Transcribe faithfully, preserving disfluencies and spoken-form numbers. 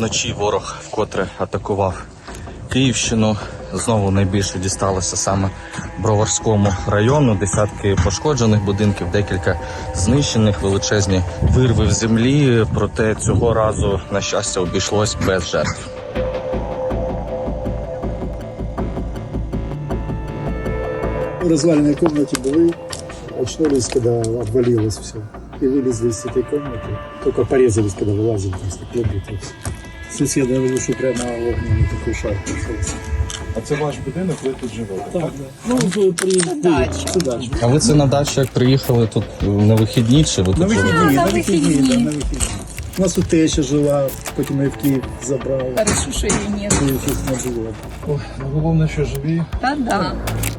Вночі ворог вкотре атакував Київщину. Знову найбільше дісталося саме Броварському району. Десятки пошкоджених будинків, декілька знищених, величезні вирви в землі. Проте цього разу, на щастя, обійшлось без жертв. В разваленной комнате были, очнулись, когда обвалилось все. И вылезли из этой комнаты. Только порезались, когда вылазили, там стекло бито. Соседа говорил, что прямо огненный такой шар пошелся. А це ваш будинок, ви тут живете? Так, да. Ну, при, при, це дача. А ви це на дачу як приїхали тут на вихідні? Чи ви тут На живете? вихідні, на на вихідні, вихідні. да, на вихідні. У нас тут теща жила, потім її в Київ забрали. Хорошо, що її нет. Тут не було. Ой, ну головне, що живі. Та да.